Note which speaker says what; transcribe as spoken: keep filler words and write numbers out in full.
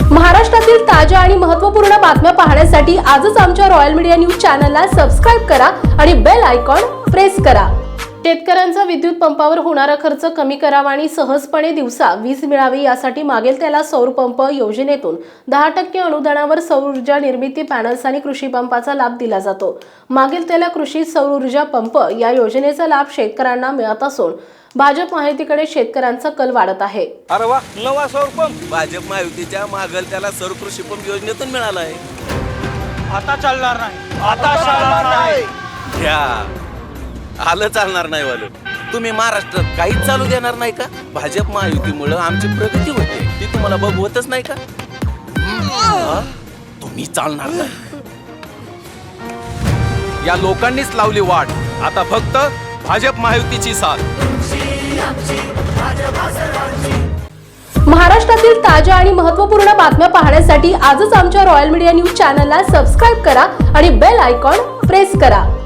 Speaker 1: महाराष्ट्रातील ताज्या आणि महत्त्वपूर्ण बातम्या पाहण्यासाठी आजच आमच्या रॉयल मीडिया न्यूज चॅनलला सबस्क्राइब करा आणि बेल आयकॉन प्रेस करा। शेतकऱ्यांचा विद्युत पंपावर होणारा खर्च कमी करावा आणि सहजपणे दिवसा वीज मिळावी यासाठी मागेल त्याला सौर पंप योजनेतून दहा टक्के अनुदानावर सौर ऊर्जा निर्मिती पॅनल्स आणि कृषी पंपाचा लाभ दिला जातो। मागेल त्याला कृषी सौर ऊर्जा पंप या योजनेचा लाभ शेतकऱ्यांना मिळत असून भाजप महायुतीकडे शेतकऱ्यांचा कल वाढत आहे।
Speaker 2: अरे वा, नवा सौर पंप भाजप महायुतीच्या मागल त्याला सौर कृषी पंप योजनेतून मिळाला आहे।
Speaker 3: आता चालणार नाही, आता चालणार नाही।
Speaker 2: घ्या, आलं चालणार नाही वालं। तुम्ही महाराष्ट्रात काहीच चालू देणार नाही का? भाजप महायुतीमुळे आमची प्रगती होते, ती तुम्हाला बघवतच नाही का? तुम्ही चालणार नाही। या लोकांनीच लावली वाट, आता फक्त भाजप महायुतीची साथ।
Speaker 1: महाराष्ट्रातील ताज्या आणि महत्त्वपूर्ण बातम्या पाहण्यासाठी आजच आमच्या रॉयल मीडिया न्यूज चॅनलला सबस्क्राइब करा आणि बेल आयकॉन प्रेस करा।